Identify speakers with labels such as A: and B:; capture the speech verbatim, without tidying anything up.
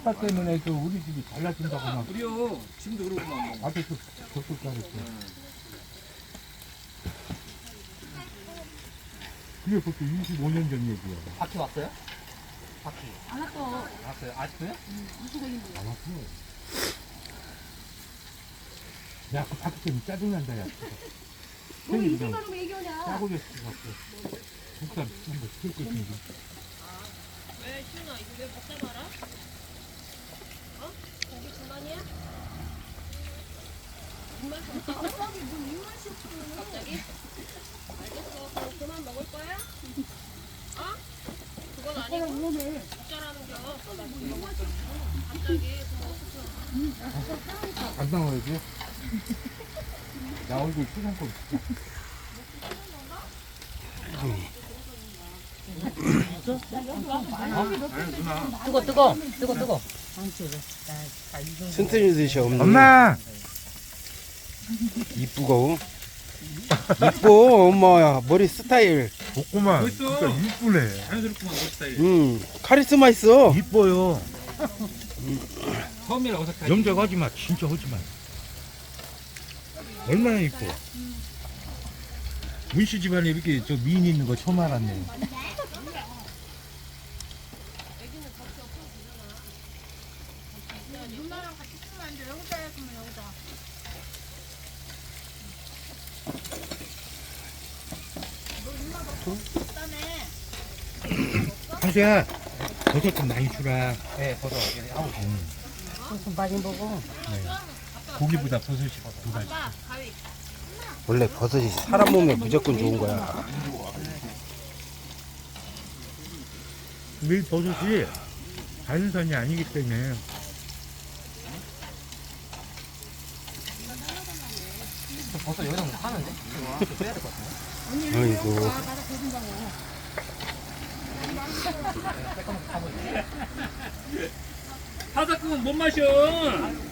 A: 파 때문에 그 우리 집이 잘라진다고 막
B: 그래요. 지금도 그러고만 뭐.
A: 앞에 그 적극 가르쳐. 그게 벌써 이십오 년 전 얘기야.
B: 바퀴 왔어요? 바퀴.
C: 안 왔어.
B: 왔어요? 아직도요?
A: 안 왔어. 야, 그 바퀴 때문에 짜증난다, 야.
C: 너
A: 형이
C: 이제
A: 그냥
C: 가면 애교냐?
A: 짜고 졌어, 갖고. 국산 한번 시킬 것인데.
D: 왜 시윤아 이거 왜 먹다 말아? 어? 고기 중간이야? 정말 먹다고?
C: 갑자기 뭐 입맛이 없어.
D: 갑자기? 알겠어. 그럼 그만 먹을 거야? 어? 그건 아니고
C: 위험해.
D: 어쩌라는 겨. 갑자기 그거
A: 안 나와야지. 나 얼굴 수정권
E: 뜨거 뜨거 뜨거 뜨거.
F: 튼튼히 드셔 없니?
A: 엄마!
F: 이쁘고 이뻐 엄마야 머리 스타일.
A: 볶고만.
B: 멋있어.
A: 진짜 이쁘네.
B: 자연스럽구만 멋있다. 이거.
F: 음 카리스마 있어.
A: 이뻐요.
B: 처음이라 어색하지.
A: 염색하지 마. 진짜 하지 마. 얼마나 이뻐. 문씨 집안에 이렇게 저 미인 있는 거 처음 알았네.
C: 누나랑 같이 쓰면 안 돼. 여기다 했으면 여기다.
A: 한수야, 버섯 좀 많이 주라.
B: 네, 버섯. 아우.
E: 좀 많이 먹어.
A: 고기보다 버섯이 두 가지.
F: 원래 버섯이 사람 몸에 무조건 좋은 거야.
A: 이 버섯이 자연산이 아니기 때문에
B: 버섯 여기다 못 하는데? 이거 빼야 될 것 같은데?
F: 아이고
B: 타자 끄면 못 마셔.